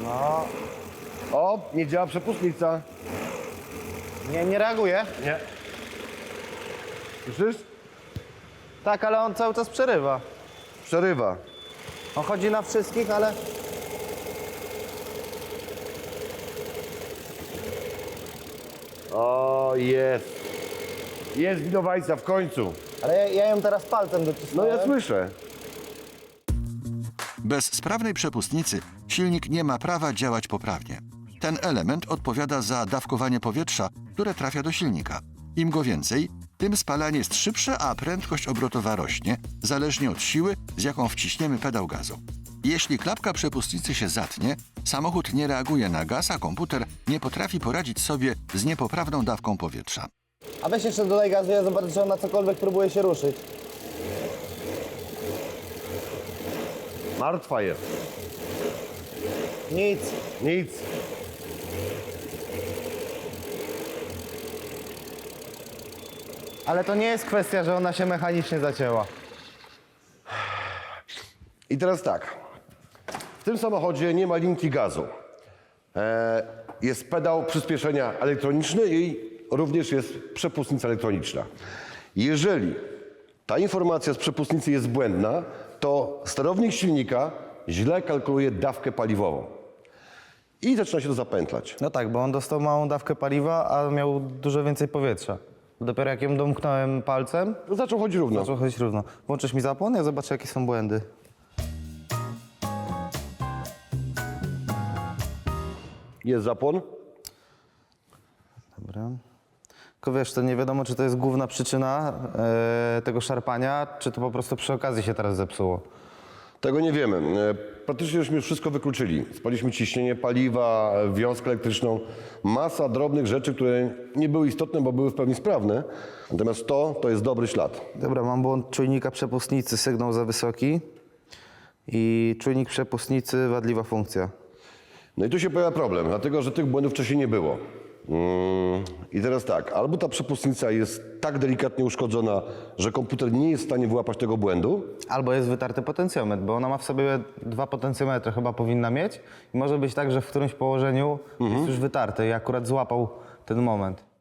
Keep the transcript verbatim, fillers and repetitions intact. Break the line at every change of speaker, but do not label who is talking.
No,
O, nie działa przepustnica.
nie, nie reaguje.
Nie. Słyszysz?
Tak, ale on cały czas przerywa.
Przerywa.
On chodzi na wszystkich, ale...
O, jest. Jest winowajca w końcu.
Ale ja, ja ją teraz palcem
No
docisnąłem.
ja słyszę.
Bez sprawnej przepustnicy silnik nie ma prawa działać poprawnie. Ten element odpowiada za dawkowanie powietrza, które trafia do silnika. Im go więcej, tym spalanie jest szybsze, a prędkość obrotowa rośnie, zależnie od siły, z jaką wciśniemy pedał gazu. Jeśli klapka przepustnicy się zatnie, samochód nie reaguje na gaz, a komputer nie potrafi poradzić sobie z niepoprawną dawką powietrza.
A weź jeszcze dodaj gazu, ja zobaczę, czy on na cokolwiek próbuje się ruszyć.
Martwa jest.
Nic.
Nic.
Ale to nie jest kwestia, że ona się mechanicznie zacięła.
I teraz tak. W tym samochodzie nie ma linki gazu. E, jest pedał przyspieszenia elektroniczny i również jest przepustnica elektroniczna. Jeżeli ta informacja z przepustnicy jest błędna, to sterownik silnika źle kalkuluje dawkę paliwową. I zaczyna się to zapętlać.
No tak, bo on dostał małą dawkę paliwa, a miał dużo więcej powietrza. Dopiero jak ją domknąłem palcem,
Zaczął chodzić równo.
zaczął chodzić równo. Włączysz mi zapłon, ja zobaczę, jakie są błędy.
Jest zapłon.
Dobra. Tylko wiesz, to nie wiadomo, czy to jest główna przyczyna e, tego szarpania, czy to po prostu przy okazji się teraz zepsuło.
Tego nie wiemy. E, Praktycznie żeśmy już wszystko wykluczyli. Spaliśmy ciśnienie paliwa, e, wiązkę elektryczną, masa drobnych rzeczy, które nie były istotne, bo były w pełni sprawne. Natomiast to, to jest dobry ślad.
Dobra, mam błąd czujnika przepustnicy, sygnał za wysoki i czujnik przepustnicy, wadliwa funkcja.
No i tu się pojawia problem, dlatego że tych błędów wcześniej nie było. Mm, I teraz tak, albo ta przepustnica jest tak delikatnie uszkodzona, że komputer nie jest w stanie wyłapać tego błędu,
Albo jest wytarty potencjometr, bo ona ma w sobie dwa potencjometry, chyba powinna mieć. I może być tak, że w którymś położeniu jest już wytarty i akurat złapał ten moment.